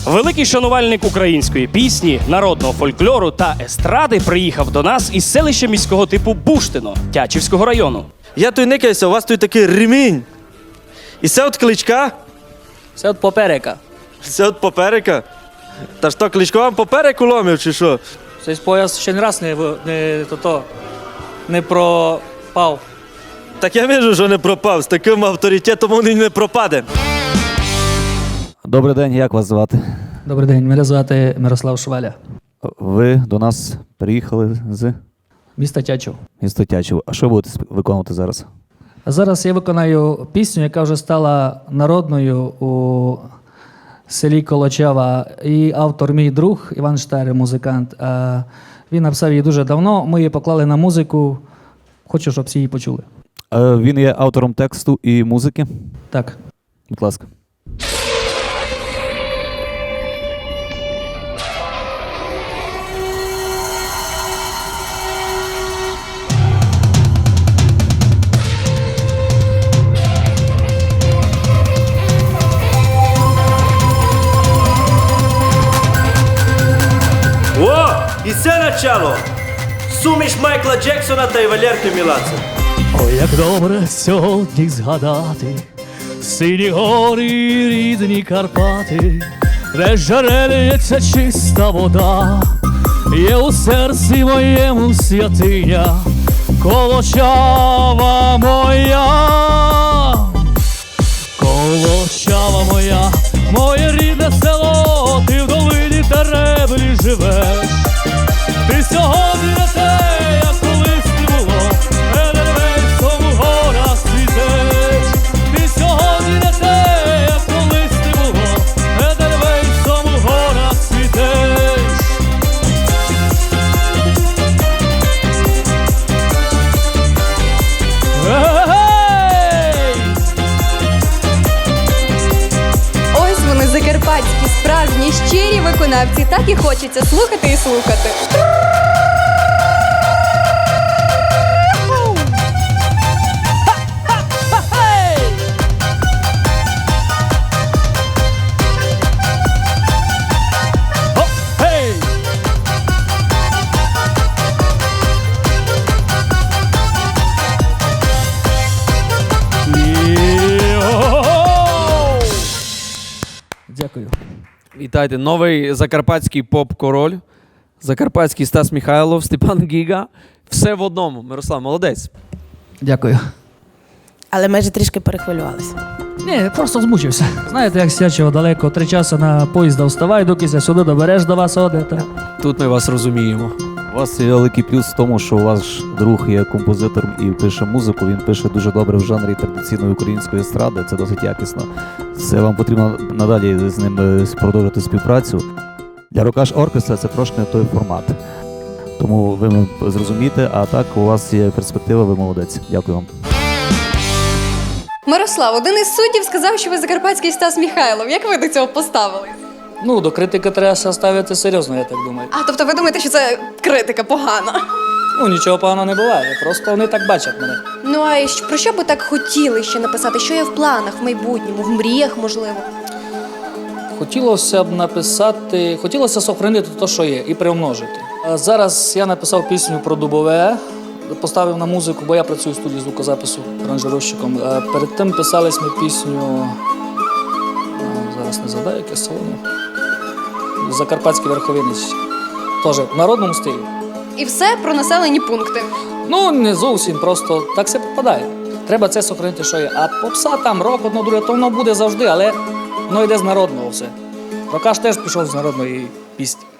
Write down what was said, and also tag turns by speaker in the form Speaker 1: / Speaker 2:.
Speaker 1: Великий шанувальник української пісні, народного фольклору та естради приїхав до нас із селища міського типу Буштино, Тячівського району.
Speaker 2: Я тут никаюся, у вас тут такий ремінь. І це от кличка?
Speaker 3: Це от поперека.
Speaker 2: Це от поперека? Та що, кличко вам попереку ломив, чи що?
Speaker 3: Цей пояс ще не раз не пропав.
Speaker 2: Так я вижу, що не пропав. З таким авторитетом він не пропаде.
Speaker 4: Добрий день, як вас звати?
Speaker 3: Добрий день, мене звати Мирослав Шваля.
Speaker 4: Ви до нас приїхали з
Speaker 3: Міста Тячів.
Speaker 4: міста Тячів. А що будете виконувати зараз?
Speaker 3: А зараз я виконаю пісню, яка вже стала народною у селі Колочава. І автор мій друг Іван Штайр, музикант. Він написав її дуже давно, ми її поклали на музику. Хочу, щоб всі її почули.
Speaker 4: Він є автором тексту і музики.
Speaker 3: Так.
Speaker 4: Будь ласка.
Speaker 2: О, і це начало. Суміш Майкла Джексона та й Валерки Меладзе.
Speaker 3: Ой, як добре сьогодні згадати сині гори і рідні Карпати, де джерелється чиста вода, є у серці моєму святиня, Колочава моя, Колочава моя, моє рідне село, ти в долині Тереблі живеш, ти сьогодні не те, як колись ти було, Едельвейсом у горах світеш, ти сьогодні не те, як колись ти було, Едельвейсом у горах світеш. Ей!
Speaker 5: Ось вони, закарпатські, справжні, щирі виконавці. Так і хочеться слухати і слухати.
Speaker 3: Хоп, гей! Йо-хо-хо! Дякую.
Speaker 6: Вітайте, новий закарпатський поп-король, закарпатський Стас Михайлов, Степан Гіга. Все в одному. Мирослав, молодець.
Speaker 3: Дякую.
Speaker 7: Але ми ж трішки перехвилювалися.
Speaker 3: Ні, я просто змучився. Знаєте, як з Тячева далеко, 3 часи на поїзда вставай, доки сюди добереш до вас одета.
Speaker 6: Тут ми вас розуміємо.
Speaker 4: У вас є великий плюс в тому, що ваш друг є композитором і пише музику. Він пише дуже добре в жанрі традиційної української естради. Це досить якісно. Це вам потрібно надалі з ним продовжити співпрацю. Для Рокаш оркестра це трошки не той формат. Тому ви зрозумієте, а так у вас є перспектива, ви молодець. Дякую вам.
Speaker 5: Мирослав, один із суддів сказав, що ви закарпатський Стас Михайлов. Як ви до цього поставились?
Speaker 3: Ну, до критики треба ставити серйозно, я так думаю.
Speaker 5: А, тобто ви думаєте, що це критика погана?
Speaker 3: Ну, нічого поганого не буває, просто вони так бачать мене.
Speaker 5: Ну, а про що би так хотіли ще написати? Що є в планах, в майбутньому, в мріях, можливо?
Speaker 3: Хотілося б написати, хотілося сохранити те, що є, і приумножити. А зараз я написав пісню про дубове, поставив на музику, бо я працюю в студії звукозапису аранжировщиком. А перед тим писали ми пісню, зараз не згадаю, яке село, Закарпатський Верховинець, теж в народному стилі.
Speaker 5: І все про населені пункти.
Speaker 3: Ну, не зовсім, просто так все попадає. Треба це сохранити, що є. А попса там, рок, одно друге, то воно буде завжди, але воно йде з народного все. Рокаш теж пішов з народної пісні.